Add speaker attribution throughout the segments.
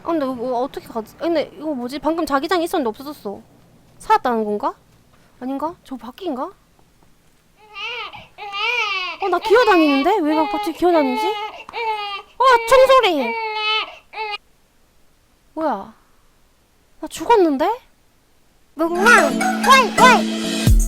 Speaker 1: 근데 이거 뭐 어떻게 가지? 근데 이거 뭐지? 방금 자기장이 있었는데 없어졌어. 살았다는 건가? 아닌가? 저 바퀴인가? 나 기어다니는데? 왜 나 갑자기 기어다니지? 총소리! 뭐야? 나 죽었는데? 뭉망! 왈!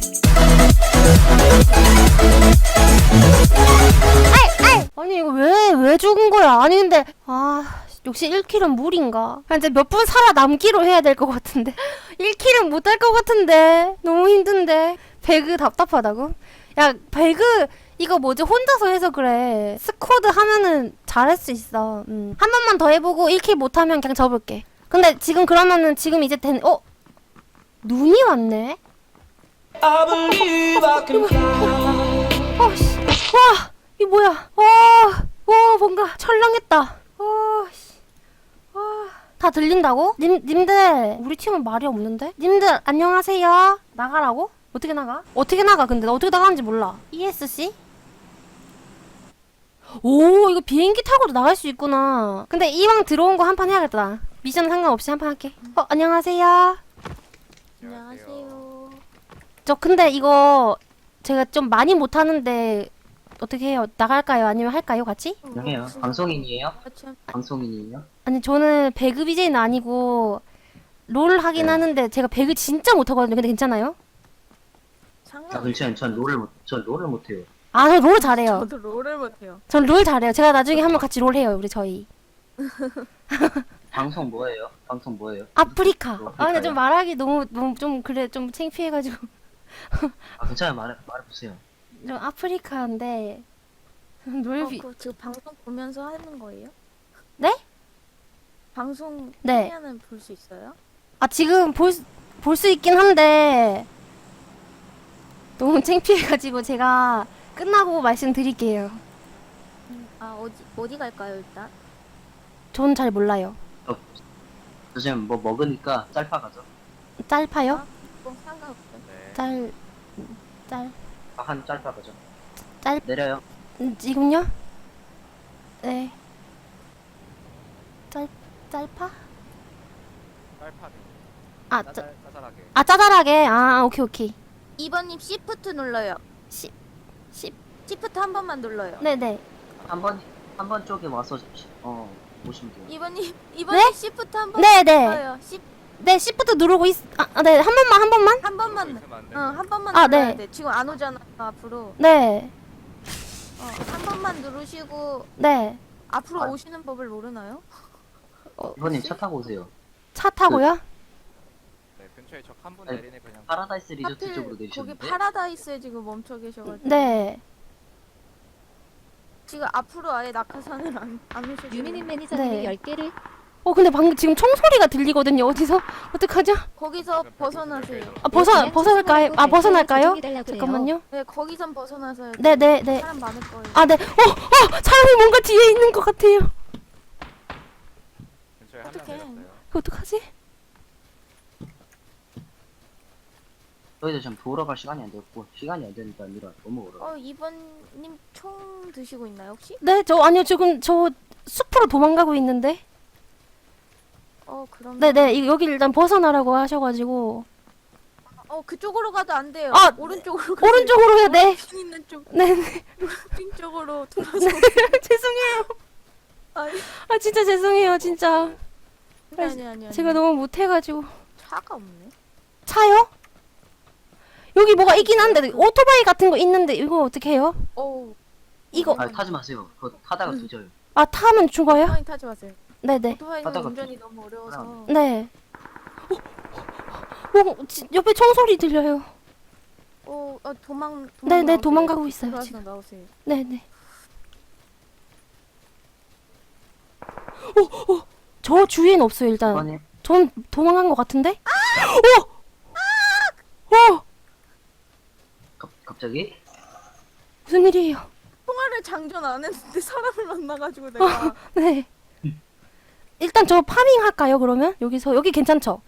Speaker 1: 아니 이거 왜 죽은 거야? 아니 근데 역시 1킬은 무리인가? 이제 몇 분 살아남기로 해야 될 것 같은데 1킬은 못 할 것 같은데 너무 힘든데. 배그 답답하다고? 야 배그 이거 뭐지? 혼자서 해서 그래. 스쿼드 하면은 잘할 수 있어. 한 번만 더 해보고 1킬 못하면 그냥 접을게. 근데 지금 그러면은 지금 이제 눈이 왔네?
Speaker 2: I believe I can fly.
Speaker 1: 씨. 와! 이게 뭐야? 뭔가 철렁했다. 씨. 다 들린다고? 님들, 우리 팀은 말이 없는데? 님들, 안녕하세요? 나가라고? 어떻게 나가? 어떻게 나가, 근데? 나 어떻게 나가는지 몰라. ESC? 오, 이거 비행기 타고도 나갈 수 있구나. 근데 이왕 들어온 거 한 판 해야겠다. 미션 상관없이 한 판 할게. 안녕하세요?
Speaker 3: 안녕하세요.
Speaker 1: 저 근데 이거 제가 좀 많이 못하는데 어떻게 해요? 나갈까요? 아니면 할까요? 같이?
Speaker 4: 안녕해요. 방송인이에요?
Speaker 3: 참
Speaker 4: 방송인이에요?
Speaker 1: 아니 저는 배그 BJ는 아니고 롤 하긴
Speaker 4: 네.
Speaker 1: 하는데 제가 배그 진짜 못하거든요. 근데 괜찮아요?
Speaker 3: 상관.
Speaker 4: 괜찮아요. 전 롤을 못해요.
Speaker 1: 저 롤 잘해요.
Speaker 3: 저도 롤을 못해요.
Speaker 1: 전 롤 잘해요. 제가 나중에 한번 같이 롤 해요. 우리 저희.
Speaker 4: 방송 뭐예요? 방송 뭐예요?
Speaker 1: 아프리카.
Speaker 4: 아프리카요?
Speaker 1: 근데 좀 말하기 너무 좀 그래 좀 창피해가지고
Speaker 4: 괜찮아요. 말해보세요.
Speaker 1: 좀 아프리카인데 롤
Speaker 3: 지금 방송 보면서 하는 거예요?
Speaker 1: 네?
Speaker 3: 방송
Speaker 1: 네.
Speaker 3: 화면은 볼 수 있어요?
Speaker 1: 지금 볼 수 있긴 한데 너무 창피해가지고 제가 끝나고 말씀드릴게요.
Speaker 3: 어디 갈까요 일단?
Speaker 1: 전 잘 몰라요.
Speaker 4: 저 지금 뭐 먹으니까 짤파 가죠.
Speaker 1: 짤파요?
Speaker 3: 상관없어요.
Speaker 1: 짤
Speaker 4: 한 짤파 가죠.
Speaker 1: 짤-
Speaker 4: 내려요.
Speaker 1: 지금요? 네. 짤파?
Speaker 5: 딸파네.
Speaker 1: 짜,
Speaker 5: 짜잘하게.
Speaker 1: 짜잘하게. 오케이.
Speaker 3: 2번님 시프트 눌러요.
Speaker 1: 시
Speaker 3: 시프트 한 번만 눌러요.
Speaker 1: 네네.
Speaker 4: 한 번 쪽에 와서 보시면 돼요.
Speaker 3: 2번님
Speaker 1: 네?
Speaker 3: 시프트 한 번
Speaker 1: 네네.
Speaker 3: 눌러요.
Speaker 1: 네, 시프트 누르고 네. 한 번만?
Speaker 3: 한 번만.
Speaker 5: 있으면 안 돼.
Speaker 3: 한 번만
Speaker 1: 아,
Speaker 3: 눌러야
Speaker 1: 네.
Speaker 3: 돼. 지금 안 오잖아 앞으로.
Speaker 1: 네.
Speaker 3: 한 번만 누르시고
Speaker 1: 네.
Speaker 3: 앞으로
Speaker 4: 아.
Speaker 3: 오시는 법을 모르나요?
Speaker 4: 이번님 차 타고 오세요.
Speaker 1: 차 타고요?
Speaker 5: 네, 근처에 적 한 분
Speaker 4: 아니,
Speaker 5: 내리네 그냥.
Speaker 4: 파라다이스 리조트
Speaker 3: 하필
Speaker 4: 쪽으로
Speaker 3: 거기
Speaker 4: 내리셨는데.
Speaker 3: 파라다이스에 지금 멈춰 계셔가지고.
Speaker 1: 네.
Speaker 3: 지금 앞으로 아예 낙하산을 안 오셔서.
Speaker 6: 유미님 매니저님이
Speaker 1: 네.
Speaker 6: 10개를
Speaker 1: 근데 방금 지금 총소리가 들리거든요. 어디서? 어떡하죠?
Speaker 3: 거기서 벗어나세요.
Speaker 1: 벗어날까요? 벗어날까요? 잠깐만요.
Speaker 3: 네, 거기선 벗어나서요.
Speaker 1: 네.
Speaker 3: 사람 많을 거예요.
Speaker 1: 네. 사람이 뭔가 뒤에 있는 것 같아요.
Speaker 5: 근처에 한 명
Speaker 3: 어떡해.
Speaker 5: 내렸어요.
Speaker 1: 이거 어떡하지?
Speaker 4: 저희도 지금 보러 갈 시간이 안 됐고 시간이 안 되니까 아니라 너무 멀어요.
Speaker 3: 2번님 총 드시고 있나요, 혹시?
Speaker 1: 네, 아니요. 지금 저 숲으로 도망가고 있는데.
Speaker 3: 그럼.
Speaker 1: 네네. 여기 일단 벗어나라고 하셔가지고.
Speaker 3: 그쪽으로 가도 안 돼요.
Speaker 1: 아,
Speaker 3: 오른쪽으로 가세요.
Speaker 1: 오른쪽으로 해야 돼.
Speaker 3: 신 있는 쪽.
Speaker 1: 네네.
Speaker 3: 신 쪽으로 돌아서.
Speaker 1: 죄송해요.
Speaker 3: 아니,
Speaker 1: 진짜 죄송해요. 진짜.
Speaker 3: 아니.
Speaker 1: 제가 너무 못해가지고.
Speaker 3: 차가 없네.
Speaker 1: 차요? 여기 뭐가 있긴 한데 오토바이 같은 거 있는데 이거 어떻게 해요? 이거
Speaker 4: 타지 마세요. 그거 타다가 뒤져요.
Speaker 1: 타면 죽어요?
Speaker 3: 오토바이 타지 마세요.
Speaker 1: 네네.
Speaker 3: 오토바이는
Speaker 4: 타다가
Speaker 3: 운전이 너무 어려워서.
Speaker 1: 네. 옆에 총소리 들려요. 네네,
Speaker 3: 나오세요.
Speaker 1: 도망가고 있어요,
Speaker 3: 들어와서
Speaker 1: 지금.
Speaker 3: 나오세요.
Speaker 1: 네네. 저 주위엔 없어요 일단.
Speaker 4: 이번님
Speaker 1: 전 도망간 것 같은데?
Speaker 4: 갑자기
Speaker 1: 무슨 일이에요?
Speaker 3: 통화를 장전 안 했는데 사람을 만나가지고 내가.
Speaker 1: 네. 일단 저 파밍 할까요 그러면? 여기 괜찮죠?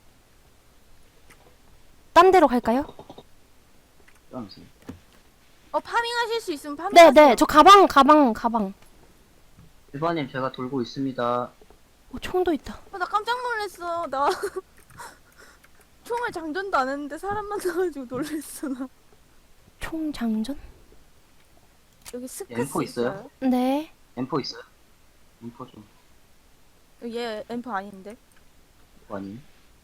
Speaker 1: 딴 데로 갈까요?
Speaker 4: 떠나세요.
Speaker 3: 파밍하실 수 있으면 파밍하세요.
Speaker 1: 네네. 저 가방.
Speaker 4: 1번님 제가 돌고 있습니다.
Speaker 1: 총도 있다.
Speaker 3: 나 깜짝 놀랐어. 나 총알 장전도 안 했는데 사람 만나가지고 놀랬어 나.
Speaker 1: 총 장전?
Speaker 3: 여기 스크스
Speaker 4: M4 있어요?
Speaker 1: 네.
Speaker 4: M4 있어요? M4 좀
Speaker 3: 얘 엠퍼 아닌데?
Speaker 4: 아니.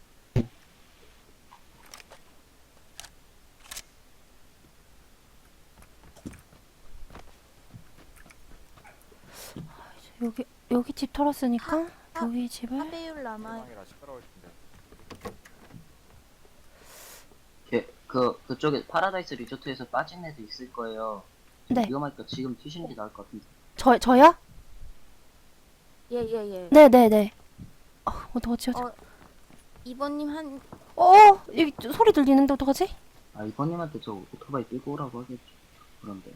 Speaker 1: 여기 집 털었으니까 여기 집을.
Speaker 3: 하베율 남아.
Speaker 5: 상황이라 시끄러울 텐데.
Speaker 4: 그쪽에 파라다이스 리조트에서 빠진 애도 있을 거예요. 지금
Speaker 1: 네.
Speaker 4: 위험하니까 지금 튀시는 게 나을 것 같은데.
Speaker 1: 저요?
Speaker 3: 얘.
Speaker 1: 네네네. 어떡하지?
Speaker 3: 이번님 한
Speaker 1: 여기 소리 들리는데 어떡하지?
Speaker 4: 아 이번님한테 저 오토바이 끌고 오라고 하겠죠. 그런데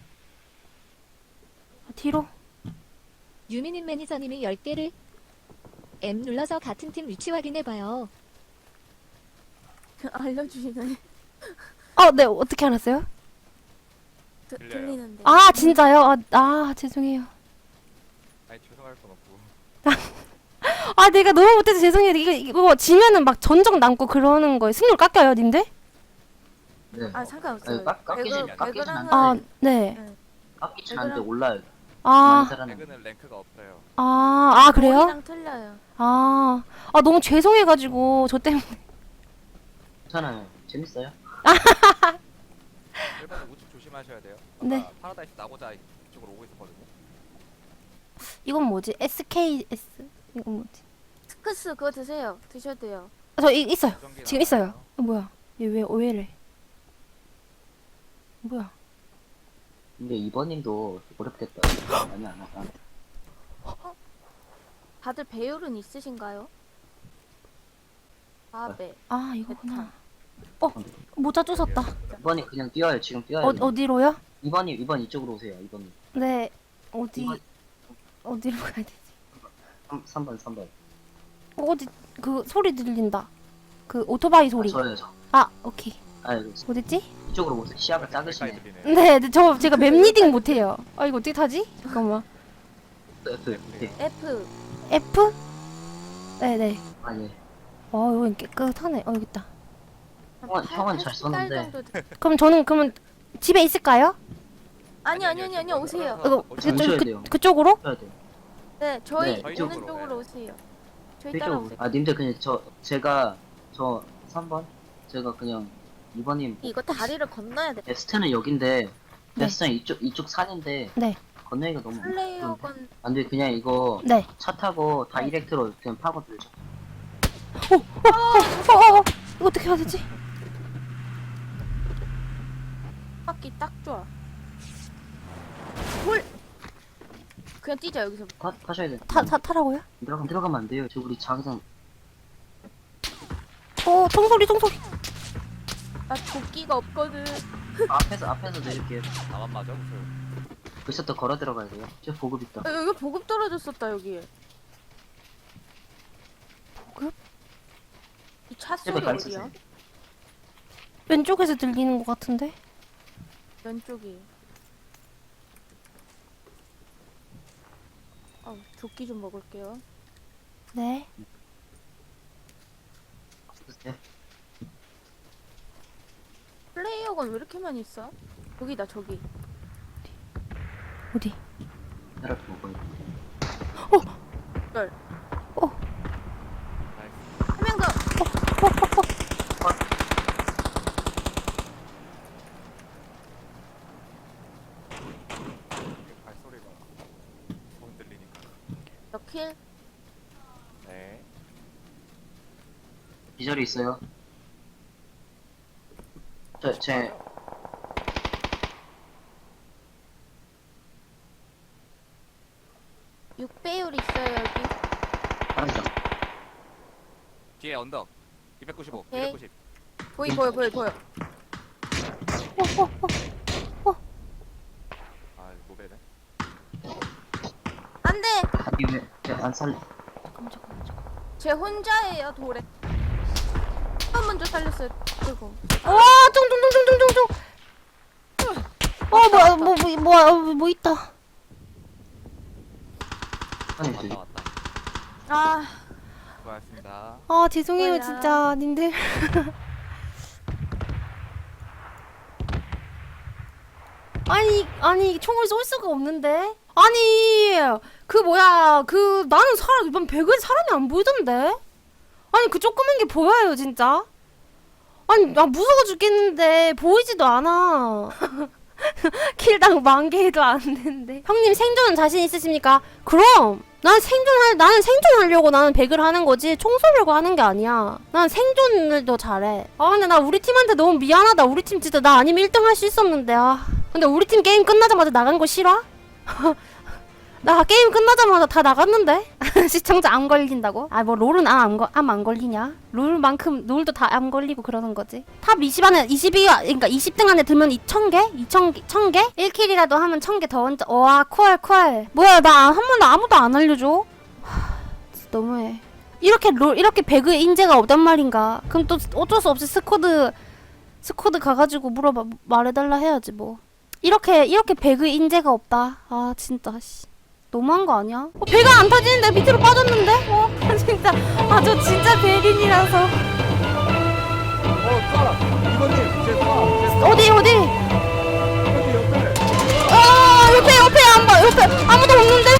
Speaker 1: 뒤로.
Speaker 6: 유미님 매니저님이 10개를 M 눌러서 같은 팀 위치 확인해봐요.
Speaker 3: 알려주시네.
Speaker 1: 네. 어떻게 알았어요?
Speaker 5: 들려요.
Speaker 3: 들리는데.
Speaker 1: 아, 진짜요? 죄송해요.
Speaker 5: 아니 죄송할 건 없고.
Speaker 1: 내가 너무 못해서 죄송해요. 이거 지면은 막 전적 남고 그러는 거예요. 승률 깎여요, 님들?
Speaker 4: 네.
Speaker 3: 아 상관없어요.
Speaker 4: 깎이진
Speaker 3: 배그를
Speaker 4: 않는데.
Speaker 3: 하면
Speaker 1: 네.
Speaker 4: 깎이진 않는데 올라요.
Speaker 1: 아,
Speaker 4: 많이 살아나.
Speaker 5: 배그는 랭크가 없어요.
Speaker 1: 그래요?
Speaker 3: 머리랑 틀려요.
Speaker 1: 너무 죄송해가지고, 저 때문에.
Speaker 4: 괜찮아요. 재밌어요.
Speaker 5: 1번은 우측 조심하셔야 돼요. 아까
Speaker 1: 네.
Speaker 5: 파라다이스 나고자 이쪽으로 오고 있었거든요.
Speaker 1: 이건 뭐지? SKS. 이건 뭐지?
Speaker 3: 스크스 그거 드세요. 드셔도 돼요.
Speaker 1: 저 있어요.
Speaker 5: 무전기
Speaker 1: 지금 있어요.
Speaker 5: 나와요.
Speaker 1: 뭐야? 얘 왜 이래? 뭐야?
Speaker 4: 근데 이번님도 어렵겠다. 많이 안 하다.
Speaker 3: 다들 배율은 있으신가요? 네.
Speaker 1: 이거구나. 모자 쫓았다.
Speaker 4: 이번님 그냥 뛰어요. 지금 뛰어요.
Speaker 1: 어디로요?
Speaker 4: 이번 이쪽으로 오세요. 이번님.
Speaker 1: 네.
Speaker 4: 이번
Speaker 1: 어디로 가야 되지?
Speaker 4: 3번.
Speaker 1: 어디, 소리 들린다. 오토바이 소리.
Speaker 4: 저요 저.
Speaker 1: 오케이.
Speaker 4: 이거
Speaker 1: 어딨지?
Speaker 4: 이쪽으로 오세요. 시야가
Speaker 5: 가까이
Speaker 4: 작으시네.
Speaker 5: 들리네요.
Speaker 1: 네, 제가 맵 리딩 못해요. 이거 어떻게 타지? 잠깐만.
Speaker 4: 네.
Speaker 3: F.
Speaker 1: F? 네네.
Speaker 4: 아니.
Speaker 1: 여기 깨끗하네. 여기 있다.
Speaker 4: 형은 잘 쏘는데.
Speaker 1: 그럼 집에 있을까요?
Speaker 3: 아니요 오세요.
Speaker 1: 이거
Speaker 4: 오셔야 돼요.
Speaker 1: 그쪽으로?
Speaker 4: 해야 돼요.
Speaker 3: 네 저희
Speaker 4: 네,
Speaker 3: 오는
Speaker 5: 이쪽으로.
Speaker 3: 쪽으로 오세요. 저희
Speaker 4: 이쪽으로.
Speaker 3: 따라오세요.
Speaker 4: 님들 그냥 제가 3번 제가 그냥 2번님
Speaker 3: 이거 다리를 건너야 돼.
Speaker 4: 베스트는 여긴데
Speaker 1: 네.
Speaker 4: 베스트는 이쪽 산인데
Speaker 1: 네.
Speaker 4: 건너기가 너무
Speaker 3: 플레이어건
Speaker 4: 안돼. 그냥 이거
Speaker 1: 네.
Speaker 4: 차 타고 다이렉트로 그냥 파고 들죠.
Speaker 1: 이거 어떻게 해야 되지?
Speaker 3: 바퀴 딱 좋아. 홀. 그냥 뛰자 여기서.
Speaker 4: 타셔야 돼.
Speaker 1: 타라고요?
Speaker 4: 들어가면 안 돼요. 저 우리 자기장
Speaker 1: 총소리.
Speaker 3: 나 도끼가 없거든.
Speaker 4: 앞에서 내릴게요.
Speaker 5: 나만 맞아 무서워.
Speaker 4: 벌써 또 걸어 들어가야 돼요. 저 보급 있다.
Speaker 3: 여기 보급 떨어졌었다 여기.
Speaker 1: 보급?
Speaker 3: 이 차
Speaker 4: 제발
Speaker 3: 소리
Speaker 4: 발
Speaker 3: 어디야?
Speaker 4: 쓰세요.
Speaker 1: 왼쪽에서 들리는 것 같은데?
Speaker 3: 왼쪽이. 조끼 좀 먹을게요.
Speaker 1: 네.
Speaker 4: 쓰세요.
Speaker 3: 플레이어건 왜 이렇게 많이 있어? 여기다 저기.
Speaker 1: 어디?
Speaker 4: 이렇게 먹어요.
Speaker 3: 열.
Speaker 5: 나이스.
Speaker 3: 한 명 더.
Speaker 5: 발소리가 돈 들리니까.
Speaker 3: 너 킬.
Speaker 5: 네.
Speaker 4: 기절이 있어요. 제
Speaker 3: 6배율 있어요 여기.
Speaker 4: 파란색.
Speaker 5: 뒤에 언덕. 295.
Speaker 3: 오케이.
Speaker 5: 290.
Speaker 3: 보여.
Speaker 5: 아 노베네.
Speaker 3: 안돼.
Speaker 4: 아니 왜안 살려?
Speaker 1: 잠깐만.
Speaker 3: 쟤 혼자예요 돌에. 한 먼저 살렸어요. 그리고.
Speaker 1: 쫑쫑쫑쫑쫑쫑. 뭐야, 뭐 있다.
Speaker 4: 아니
Speaker 5: 왔다 왔다.
Speaker 3: 아,
Speaker 5: 고맙습니다.
Speaker 1: 아 죄송해요
Speaker 3: 뭐야.
Speaker 1: 진짜 님들. 아니 총을 쏠 수가 없는데. 아니 그 뭐야 그 나는 사람 이번 배그에 사람이 안 보이던데. 아니 그 조그만 게 보여요 진짜. 아니 나 무서워 죽겠는데 보이지도 않아. 킬당 10,000개도 안 되는데. 형님 생존 자신 있으십니까? 그럼 나는 생존하려고 나는 배그를 하는 거지 총 쏘려고 하는 게 아니야. 난 생존을 더 잘해. 아 근데 나 우리 팀한테 너무 미안하다. 우리 팀 진짜 나 아니면 1등 할 수 있었는데. 아 근데 우리 팀 게임 끝나자마자 나간 거 싫어? 나 게임 끝나자마자 다 나갔는데? 시청자 안 걸린다고? 아 뭐 롤은 안 걸리냐? 롤도 다 안 걸리고 그러는 거지. 탑 20 안에 그러니까 20등 안에 들면 2,000개? 2,000개? 1킬이라도 하면 1,000개 더 얹어. 와 콜. 뭐야 나 한 번도 아무도 안 알려줘? 진짜 너무해. 이렇게 배그에 인재가 없단 말인가? 그럼 또 어쩔 수 없이 스쿼드 가가지고 말해달라 해야지 뭐. 이렇게 배그에 인재가 없다. 아 진짜 씨. 너무한 거 아니야? 배가 안 타지는데 밑으로 빠졌는데? 진짜 저 진짜 배린이라서.
Speaker 5: 이거님 제
Speaker 1: 어디
Speaker 5: 여기 옆에.
Speaker 1: 옆에 안 봐. 옆에 아무도 없는데?